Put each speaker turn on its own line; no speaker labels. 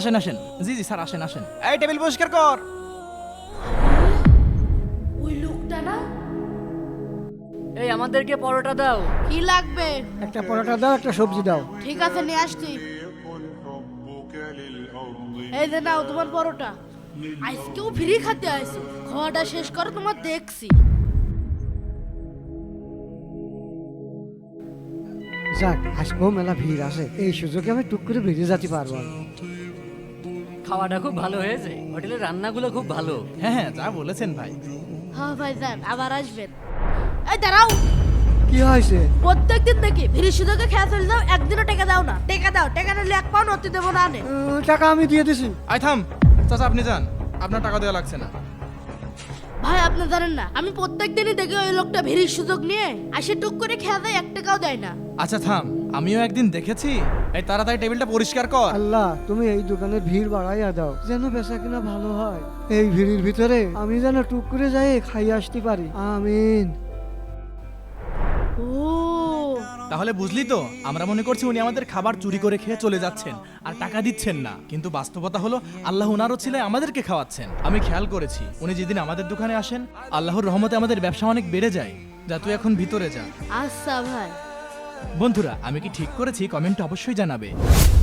আসেন আসেন। জি জি স্যার, আসেন আসেন। এই টেবিল পরিষ্কার কর।
ওই লোকটা না?
এই আমাদেরকে পরোটা দাও।
কি লাগবে?
একটা পরোটা দাও, একটা সবজি দাও।
ঠিক আছে, নিয়ে আসছি। এই যে নাও তোমার পরোটা। আজকেও ফ্রি খেতে আইছো, খাওয়াটা শেষ করো, তোমার দেখছি।
যাক, আজকেও মেলা ভিড় আছে, এই সুযোগে আমি টুক করে বেরিয়ে যেতে পারবো না।
খাওয়াটা খুব ভালো হয়েছে, হোটেলের রান্নাগুলো খুব ভালো।
হ্যাঁ হ্যাঁ, যা বলেছেন ভাই।
হ্যাঁ ভাই যান, আবার আসবেন। এই দাঁড়াও,
কি হয়েছে?
প্রত্যেকদিন দেখি ফ্রি সুযোগে খেয়ে চলে যাও, একদিনও টাকা দাও না। টাকা দাও, টাকা নিলে এক পাউন্ড অতি দেবো না।
টাকা আমি দিয়ে দিছি।
আই থাম চাচা, আপনি যান, আপনার টাকা দেওয়া লাগছে না।
ভাই আপনি জানেন না, আমি প্রত্যেকদিনই দেখি ওই লোকটা ভিড়ির সুযোগ নিয়ে আসে, টুক করে খেয়ে দেয়, এক টাকাও দেয় না।
আচ্ছা থাম, আমিও একদিন দেখেছি। এই তাড়াতাড়ি টেবিলটা পরিষ্কার কর।
আল্লাহ, তুমি এই দোকানে ভিড় বাড়াইয়া দাও, যেন বেচা কিনা ভালো হয়। এই ভিড়ের ভিতরে আমি যেন টুক করে যাই খাই আসতে পারি, আমিন।
ও
তাহলে বুঝলি তো, আমরা মনে করছি উনি আমাদের খাবার চুরি করে খেয়ে চলে যাচ্ছেন আর টাকা দিচ্ছেন না, কিন্তু বাস্তবতা হলো আল্লাহ উনারও ছিল আমাদেরকে খাওয়াচ্ছেন। আমি খেয়াল করেছি উনি যেদিন আমাদের দোকানে আসেন, আল্লাহর রহমতে আমাদের ব্যবসা অনেক বেড়ে যায়। যা তুই এখন ভিতরে যা।
আচ্ছা ভাই।
বন্ধুরা, আমি কি ঠিক করেছি কমেন্টে অবশ্যই জানাবে।